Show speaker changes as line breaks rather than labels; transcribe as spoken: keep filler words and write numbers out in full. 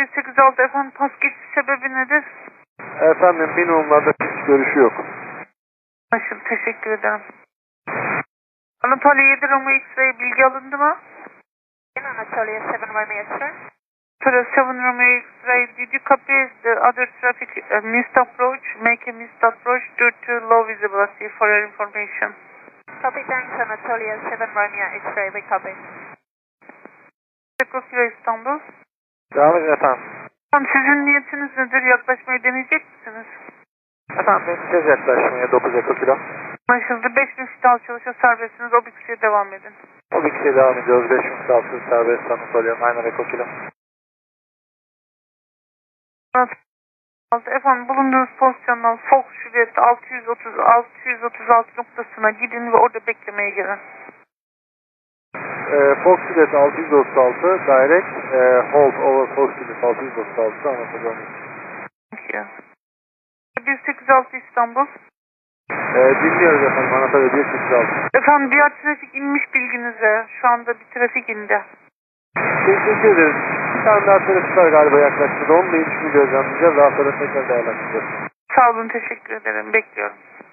bir sekiz altı efendim, pas geçiş sebebi nedir?
Efendim minimumlarda hiç görüşü yok.
Anlaşıldı, teşekkür ederim. Anatolia yedi Romeo X-ray bilgi alındı mı?
Anatolia yedi Romeo X-ray.
Anatolia yedi Romeo X-ray, did you copy the other traffic uh, missed approach? Make a missed approach due to low visibility for your information.
Copy, thanks. Anatolia yedi Romeo X-ray, we copy.
Echo Kilo İstanbul.
Devam edin efendim.
Efendim sizin niyetiniz nedir? Yaklaşmayı deneyecek misiniz?
Efendim deneyeceğiz yaklaşmaya dokuz Eko Kilo.
Anlaşıldı. beş bin fit alçalışa serbestsiniz. O bir kişiye devam edin.
O bir kişiye devam ediyoruz. beş bin altı serbest Anatolia nine Eko Kilo.
Efendim bulunduğunuz pozisyondan Fox Juliet altı yüz otuz altı yüz otuz altı noktasına gidin ve orada beklemeye gelin.
Ee, Fox Juliet altı yüz otuz altı direct e, hold over Fox Juliet altı yüz otuz altı Anatolia.
bir sekiz altı İstanbul.
Ee, dinliyoruz efendim Anatolia bir sekiz altı.
Efendim diğer trafik inmiş bilginize. Şu anda bir trafik indi.
Teşekkür ederiz. Bir tane daha trafik var galiba yaklaştı. Onu da inişini gözlemleyeceğiz. Daha sonra tekrar değerlendireceğiz.
Sağ olun, teşekkür ederim. Bekliyorum.